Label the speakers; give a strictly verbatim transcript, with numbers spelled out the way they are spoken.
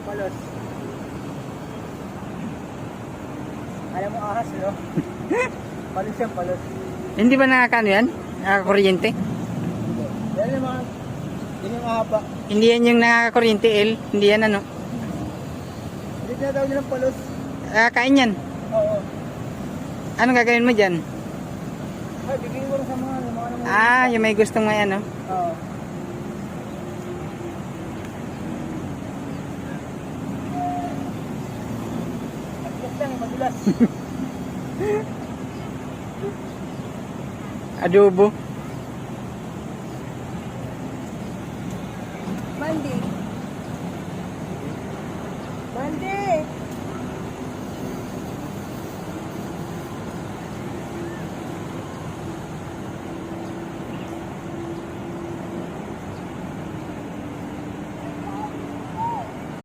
Speaker 1: palos. Alam mo ahas, no? Palos yan, palos.
Speaker 2: Hindi ba nakakano yan? Nakakakuryente?
Speaker 1: Yan yung mga, yun yung mahaba.
Speaker 2: Hindi yan yung nakakakuryente, El. Hindi yan ano.
Speaker 1: Hindi tinatawag nilang palos.
Speaker 2: Ah, kain yan.
Speaker 1: Oo.
Speaker 2: Anong gagawin mo dyan?
Speaker 1: Ay, bigyan ko rin sa mga, yung mga naman.
Speaker 2: Ah, yung may gustong may ano.
Speaker 1: Oo. At lang, madulas.
Speaker 2: Adobo.
Speaker 1: Mandi. Mandi!